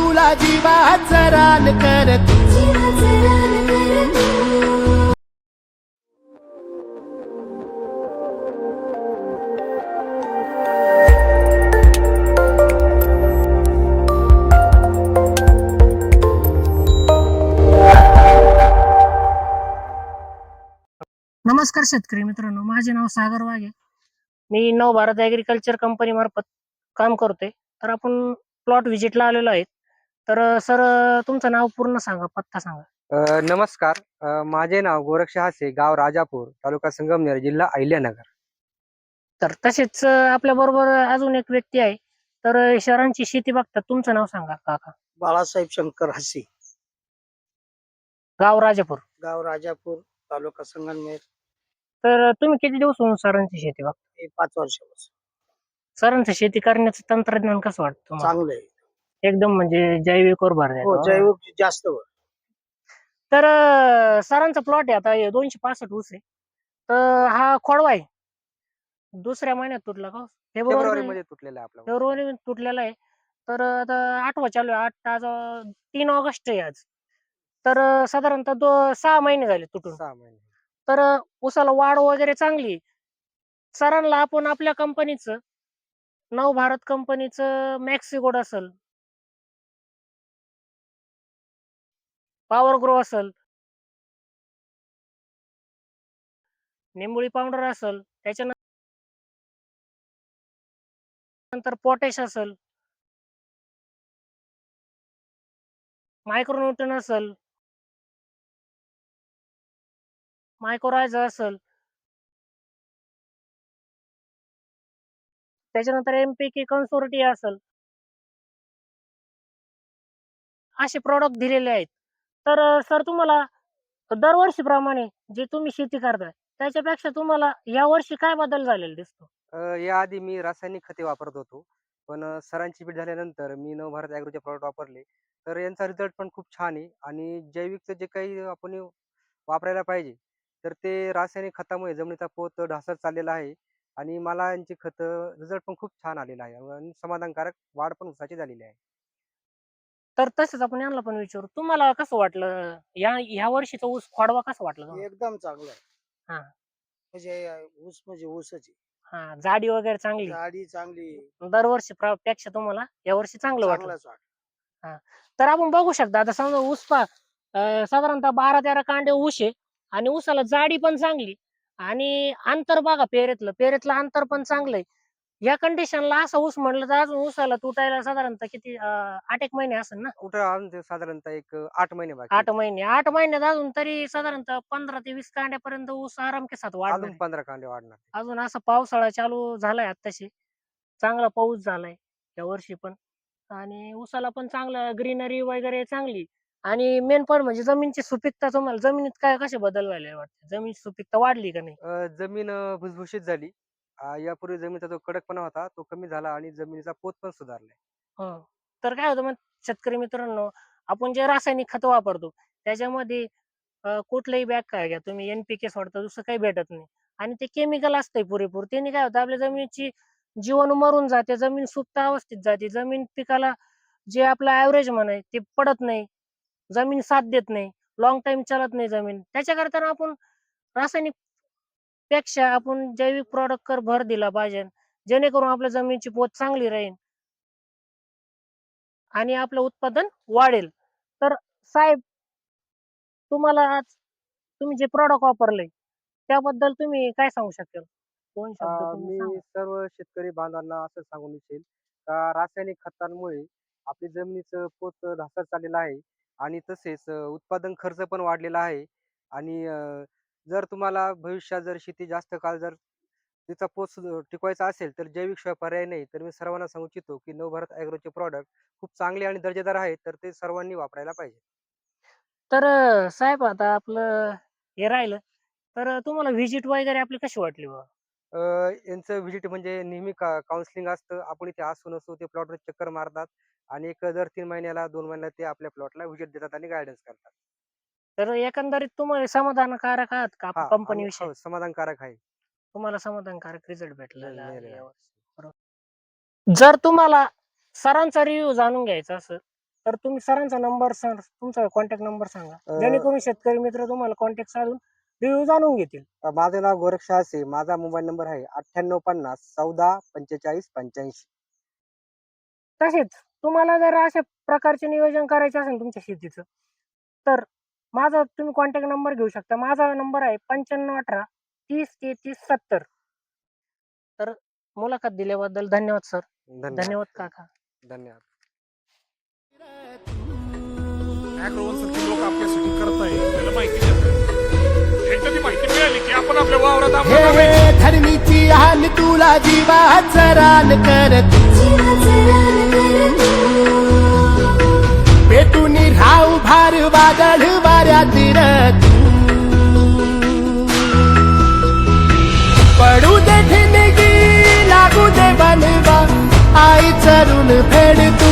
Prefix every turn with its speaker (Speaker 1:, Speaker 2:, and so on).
Speaker 1: तुला जीवाचं रान कर
Speaker 2: नमस्कार शेतकरी मित्रांनो, माझे नाव सागर वाघे. मी नव भारत ऍग्रीकल्चर कंपनी मार्फत काम करतोय. तर आपण प्लॉट व्हिजिटला आलेलो आहे. तर सर, तुमचं नाव पूर्ण सांगा, पत्ता सांगा.
Speaker 3: नमस्कार. माझे नाव गोरक्ष हासे, गाव राजापूर, तालुका संगमनेर, जिल्हा अहिल्यानगर.
Speaker 2: तर तसेच आपल्या बरोबर अजून एक व्यक्ती आहे. तर शहरांची शेती बघतात. तुमचं नाव सांगा काका.
Speaker 4: बाळासाहेब शंकर हसी,
Speaker 2: गाव राजापूर.
Speaker 4: गाव राजापूर, तालुका संगमनेर.
Speaker 2: तर तुम्ही किती दिवस होऊन सरांची शेती बघता?
Speaker 4: हे 5 वर्षापासून
Speaker 2: सरांची शेती करण्याचं तंत्रज्ञान कसं वाटतं तुम्हाला?
Speaker 4: चांगलं आहे.
Speaker 2: एकदम म्हणजे जैविकवर भर
Speaker 4: हो,
Speaker 2: द्यायचा.
Speaker 4: जैविक जास्त वर.
Speaker 2: तर सरांचा प्लॉट आहे आता 265 ऊस आहे. तर हा खोडवा आहे. दुसऱ्या महिन्यात तुटला का?
Speaker 3: फेब्रुवारी मध्ये तुटलेला आहे आपला ऊस.
Speaker 2: फेब्रुवारी तुटलेला आहे. तर आता 8वा चालू आहे. 8 आज 3 ऑगस्ट आहे आज. तर साधारणतः 6 महिने झाले तुटून.
Speaker 3: 6 महिने.
Speaker 2: तर ऊसाला वाढ वगैरे चांगली आहे. सरांना आपण आपल्या कंपनीचं नव भारत कंपनीचं मॅक्सिगोड असेल, पॉवर ग्रो असेल, निंबोळी पावडर असेल, त्याच्यानंतर पोटॅश असेल, मायक्रोन्यूटन असेल, मायक्रोरायझा असेल, त्याच्यानंतर एमपीके कन्सोर्टिया असेल, असे प्रॉडक्ट दिलेले आहेत. तर सर, तुम्हाला दरवर्षीप्रमाणे जे तुम्ही शेती करताय त्याच्यापेक्षा तुम्हाला या वर्षी काय बदल झालेला दिसतो?
Speaker 3: याआधी मी रासायनिक खते वापरत होतो, पण सरांची भेट झाल्यानंतर मी नवभारत ॲग्रोचे प्रॉडक्ट वापरले. तर यांचा रिझल्ट पण खूप छान आहे आणि जैविकचं जे काही आपण वापरायला पाहिजे, तर ते रासायनिक खतामुळे जमिनीचा पोत ढासळत चाललेला आहे आणि मला यांची खतं रिझल्ट पण खूप छान आलेला आहे आणि समाधानकारक वाढ पण ऊसाची झालेली आहे.
Speaker 2: तर तसंच आपण यांना पण विचारू, तुम्हाला कसं वाटलं या वर्षीचा ऊस खोडवा कसा वाटला तुम्हाला?
Speaker 4: एकदम चांगलं आहे.
Speaker 2: हा.
Speaker 4: म्हणजे ऊस म्हणजे ऊसच आहे.
Speaker 2: हा, जाडी वगैरे चांगली.
Speaker 4: झाडी चांगली,
Speaker 2: दरवर्षी पेक्षा तुम्हाला या वर्षी चांगलं वाटलं.
Speaker 4: चांगलाच वाट.
Speaker 2: हा. तर आपण बघू शकता, आता समजा ऊस साधारणतः 12-13 कांडे ऊस आहे आणि ऊसाला जाडी पण चांगली आणि अंतर बघा, पेरेतलं अंतर पण चांगलंय. या कंडिशनला असा ऊस म्हणलं तर अजून ऊसाला तुटायला साधारणतः किती 8 एक महिने असेल ना?
Speaker 3: कुठं अजून ते साधारणतः एक 8 महिने बाकी
Speaker 2: 8
Speaker 3: आहेत.
Speaker 2: महिने 8 महिन्यात अजून तरी साधारणतः 15 ते 20 कांड्यापर्यंत ऊस आरामकेसात वाढणार
Speaker 3: अजून
Speaker 2: आहे.
Speaker 3: 15 कांडे वाढणार.
Speaker 2: अजून असा पावसाळा चालू झालाय आत्ताशी, चांगला पाऊस झालाय या वर्षी पण आणि ऊसाला पण चांगलं ग्रीनरी वगैरे चांगली. आणि मेन पॉईंट म्हणजे जमीनची सुपीकता, तुम्हाला जमिनीत काय कसे बदल झाले वाटते? जमिनीची सुपीकता वाढली का नाही?
Speaker 3: जमीन भुसभुशीत झाली. यापूर्वी जमिनीचा जो कडकपणा होता तो कमी झाला आणि जमिनीचा पोत पण सुधारलाय.
Speaker 2: हं. तर काय होतं मग शेतकरी मित्रांनो, आपण जे रासायनिक खतं वापरतो त्याच्यामध्ये कुठलंही बॅग काय घ्या तुम्ही, एनपीके सोडता, दुसरं काही भेटत नाही आणि ते केमिकल असतंय पुरेपूर. त्याने काय होतं, आपल्या जमिनीची जीवाणू मरून जाते, जमीन सुप्त अवस्थेत जाते, जमीन पिकाला जे आपलं ऍव्हरेज म्हणाय ते पडत नाही, जमीन साथ देत नाही, लॉंग टाइम चालत नाही जमीन. त्याच्याकरता आपण रासायनिक पेक्षा आपण जैविक प्रॉडक्ट वर भर दिला पाहिजे, जेणेकरून आपल्या जमिनीची पोत चांगली राहील आणि आपलं उत्पादन वाढेल. तर साहेब, तुम्हाला आज तुम्ही जे प्रॉडक्ट वापरले त्याबद्दल तुम्ही काय सांगू शकाल? 2 शब्द तुम्ही
Speaker 3: मी
Speaker 2: सांगा.
Speaker 3: सर्व शेतकरी बांधवांना असं सांगून इच्छेल का रासायनिक खतांमुळे आपली जमिनीचं पोत ढासळत चाललेलं आहे आणि तसेच उत्पादन खर्च पण वाढलेला आहे आणि जर तुम्हाला भविष्यात जर शेती जास्त काळ जर तिचा पोत टिकवायचा असेल तर जैविक शिवाय पर्याय नाही. तर मी सर्वांना सांगू इच्छितो की नवभारत ॲग्रोचे प्रॉडक्ट खूप चांगले आणि दर्जेदार आहेत, तर ते सर्वांनी वापरायला पाहिजे.
Speaker 2: तर साहेब, आता आपलं हे राहिलं, तर तुम्हाला व्हिजिट वगैरे आपली कशी वाटली बा?
Speaker 3: अ, यांचं व्हिजिट म्हणजे नेहमी काउन्सिलिंग असतं. आपण इथे असू नसू ते प्लॉटवर चक्कर मारतात आणि एक दर 3 महिन्याला 2 महिन्याला ते आपल्या प्लॉटला व्हिजिट देतात आणि गाईडन्स करतात.
Speaker 2: तर एकंदरीत तुम्हाला समाधानकारक आहात का
Speaker 3: हां,
Speaker 2: कंपनी
Speaker 3: आम्ही
Speaker 2: विषयी?
Speaker 3: हो, समाधानकारक आहे.
Speaker 2: तुम्हाला समाधानकारक रिझल्ट भेटलेला आहे
Speaker 3: मिळालेलं आहे.
Speaker 2: यावर्षी, बरोबर. जर तुम्हाला सरांचा रिव्ह्यू जाणून घ्यायचा असेल तर तुम्ही सरांचा नंबर तुमचा कॉन्टॅक्ट नंबर सांगा,
Speaker 3: अं,
Speaker 2: जेणेकरून शेतकरी मित्र तुम्हाला कॉन्टॅक्ट साधून रिव्ह्यू जाणून घेतील.
Speaker 3: माझं नाव गोरख शहासे, माझा मोबाईल नंबर आहे 9850 14 45 85.
Speaker 2: तसेच तुम्हाला जर अशा प्रकारचे नियोजन करायचे असेल तुमच्या शेतीचं, तर माझा तुम्ही कॉन्टॅक्ट नंबर घेऊ शकता. माझा नंबर आहे 9518 30 33 70. तर मुलाखत दिल्याबद्दल धन्यवाद सर.
Speaker 3: धन्यवाद
Speaker 2: धन्यवाद काका.
Speaker 3: धन्यवाद.
Speaker 5: ऍग्रोवनसारखे लोक आपल्यासाठी करतायत, त्याला माहिती देतात. एकदा ती माहिती मिळाली की आपण आपल्या वावरात
Speaker 1: हे
Speaker 5: आपल्या
Speaker 1: हे धरणीची हाल तुला जीवाचं रान कर तू. पेटून राहू भार वादळ वाऱ्यात तू. पडू दे ठिणगी लागू दे बनवा आई चरून फेड तू.